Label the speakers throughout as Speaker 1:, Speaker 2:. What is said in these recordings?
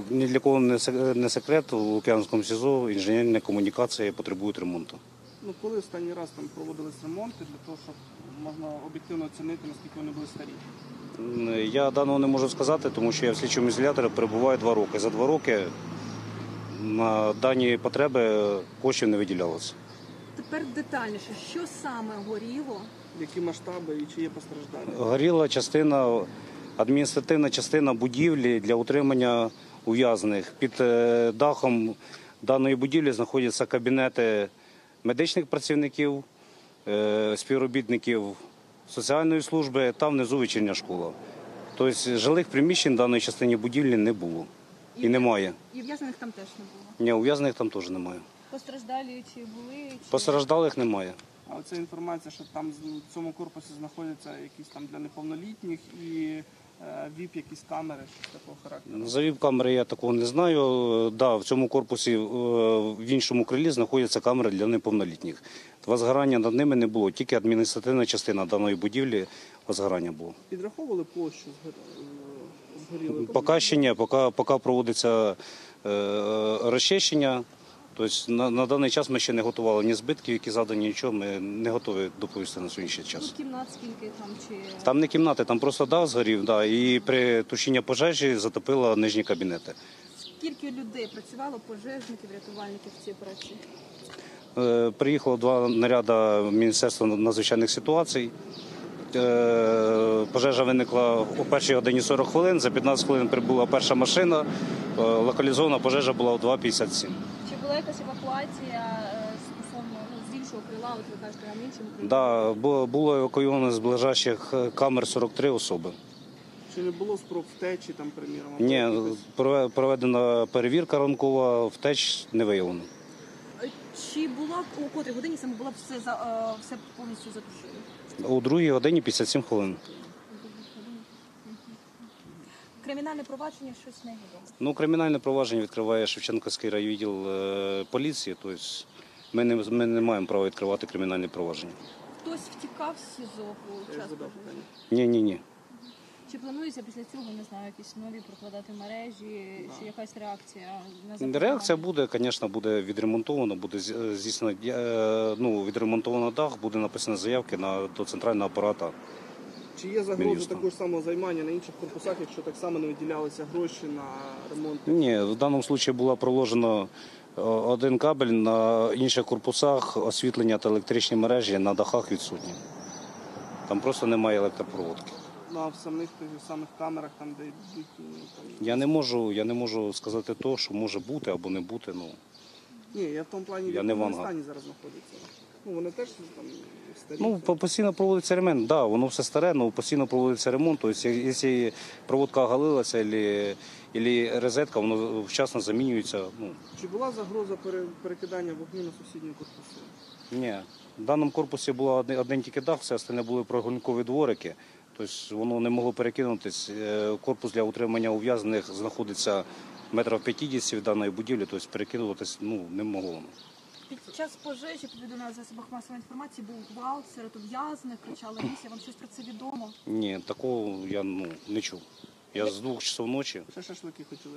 Speaker 1: ні для кого не секрет, у Лук'янському СІЗО інженерні комунікації потребують ремонту.
Speaker 2: Ну, коли останній раз там проводились ремонти для того, щоб можна об'єктивно оцінити, наскільки вони були старі?
Speaker 1: Я даного не можу сказати, тому що я в слідчому ізоляторі перебуваю 2 роки. За 2 роки на дані потреби коштів не виділялося.
Speaker 3: Тепер детальніше, що саме горіло?
Speaker 2: Які масштаби і чи є постраждалі?
Speaker 1: Горіла частина, адміністративна частина будівлі для утримання ув'язнених. Під дахом даної будівлі знаходяться кабінети медичних працівників, співробітників соціальної служби та внизу вечірня школа. Тобто жилих приміщень в даної частині будівлі не було і немає.
Speaker 3: І ув'язнених там теж не було?
Speaker 1: Ні, ув'язнених там теж немає.
Speaker 3: Постраждалі чи були?
Speaker 1: Постраждалих немає.
Speaker 2: А оця інформація, що там в цьому корпусі знаходяться якісь там для неповнолітніх і ВІП, якісь камери такого характеру?
Speaker 1: За ВІП-камери я такого не знаю. Да, в цьому корпусі в іншому крилі знаходяться камери для неповнолітніх. Возгорання над ними не було, тільки адміністративна частина даної будівлі возгорання було.
Speaker 2: Підраховували площу згорілої?
Speaker 1: Поки ще ні, поки проводиться розчищення. Тобто на даний час ми ще не готували ні збитків, які задані, нічого, ми не готові доповісти на сьогоднішній час.
Speaker 3: Ну, кімнат скільки там?
Speaker 1: Там не кімнати, там просто дах згорів, да, і при тушінні пожежі затопило нижні кабінети.
Speaker 3: Скільки людей працювало, пожежників, рятувальників в цій операції?
Speaker 1: Приїхало 2 наряди Міністерства надзвичайних ситуацій. Пожежа виникла о 1:40 хвилин, за 15 хвилин прибула перша машина, локалізована пожежа була о 2:57.
Speaker 3: Чи була якась евакуація стосовно з іншого крила, от ви кажете, на іншому крилі?
Speaker 1: Да, було евакуйовано з ближайших камер 43 особи.
Speaker 2: Чи не було спроб втечі, там, приміром?
Speaker 1: Ні, проведена перевірка ранкова, втеч не виявлено.
Speaker 3: Чи була у котрій годині саме було все повністю затушено?
Speaker 1: У 2:57 хвилин.
Speaker 3: Кримінальне провадження щось не відомо?
Speaker 1: Ну, кримінальне провадження відкриває Шевченківський райвідділ поліції, тобто ми не маємо права відкривати кримінальне провадження.
Speaker 3: Хтось втікав з СІЗО у час пожежі?
Speaker 1: Ні.
Speaker 3: Чи планується після цього, не знаю, якісь нові прокладати мережі, чи якась реакція на запропонування?
Speaker 1: Реакція буде, звісно, буде відремонтовано, буде здійснено, відремонтовано дах, буде написано заявки до центрального апарату.
Speaker 2: Чи є загроза такого ж самого займання на інших корпусах, якщо так само не виділялися гроші на ремонт?
Speaker 1: Ні, в даному випадку було проложено один кабель, на інших корпусах освітлення та електричні мережі на дахах відсутні. Там просто немає електропроводки.
Speaker 2: Ну, а в самих камерах, там, де йдуть...
Speaker 1: Я не можу сказати то, що може бути або не бути. Ну.
Speaker 2: Ні, я в тому плані, в якому стані зараз знаходиться. Ну, вони теж там старі.
Speaker 1: Ну, постійно проводиться ремонт, так, да, воно все старе, але постійно проводиться ремонт. Тобто, якщо проводка оголилася або розетка, воно вчасно замінюється. Ну.
Speaker 2: Чи була загроза перекидання вогню на сусідні корпуси?
Speaker 1: Ні. В даному корпусі був один тільки дах, все остальне були прогулянкові дворики. Тобто воно не могло перекинутися. Корпус для утримання ув'язнених знаходиться метрів 50 від даної будівлі, тобто перекидуватись не могло.
Speaker 3: Під час пожежі, повідомляли в засобах масової інформації, був гвалт серед ув'язнених, кричали місія. Вам щось про це відомо?
Speaker 1: Ні, такого я не чув. Я з 2 часов ночі.
Speaker 2: Ще шашлики хотіли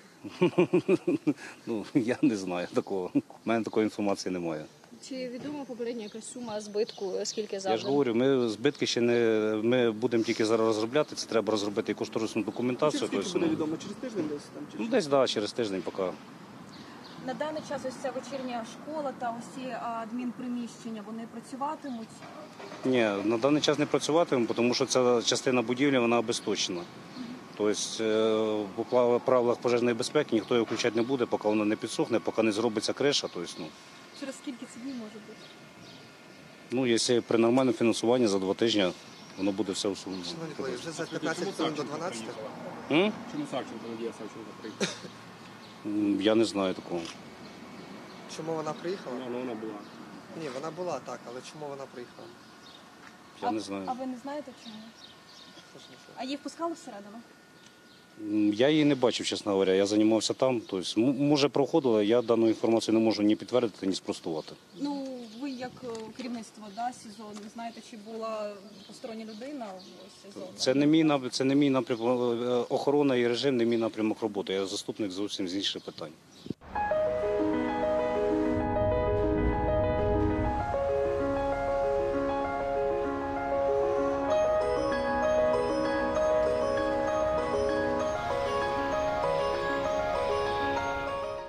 Speaker 2: жарити?
Speaker 1: Я не знаю такого. У мене такої інформації немає.
Speaker 3: Чи відома попередня якась сума збитку, скільки завдано?
Speaker 1: Я ж говорю, ми збитки ще не... Ми будемо тільки зараз розробляти, це треба розробити і кошторисну документацію.
Speaker 2: Через скільки буде відомо? Через тиждень десь? Там,
Speaker 1: десь, так, через тиждень поки.
Speaker 3: На даний час ось ця вечірня школа та ось ці адмінприміщення, вони працюватимуть?
Speaker 1: Ні, на даний час не працюватимемо, тому що ця частина будівлі, вона обесточена. Тобто, по правилах пожежної безпеки ніхто її включати не буде, поки вона не підсохне, поки не зробиться криша. Тобто,
Speaker 3: Через скільки це днів може бути?
Speaker 1: Якщо при нормальному фінансуванні за 2 тижні, воно буде все усунено.
Speaker 4: Шановні колеги, вже за 15 хвилин до 12.
Speaker 5: Чому Савченко, Надія Савченко приїхала?
Speaker 1: Я не знаю такого.
Speaker 4: Чому вона приїхала?
Speaker 5: Вона була.
Speaker 4: Ні, вона була так, але чому вона приїхала?
Speaker 1: Я не знаю.
Speaker 3: А ви не знаєте чому? А її впускали всередину?
Speaker 1: Я її не бачив, чесно говоря. Я займався там. Тобто, може, проходила, я дану інформацію не можу ні підтвердити, ні спростувати.
Speaker 3: Ну, ви як керівництво СІЗО, не знаєте, чи була постороння людина в СІЗО?
Speaker 1: Це не мій напрямок, охорона і режим не мій напрямок роботи. Я заступник зовсім з інших питань.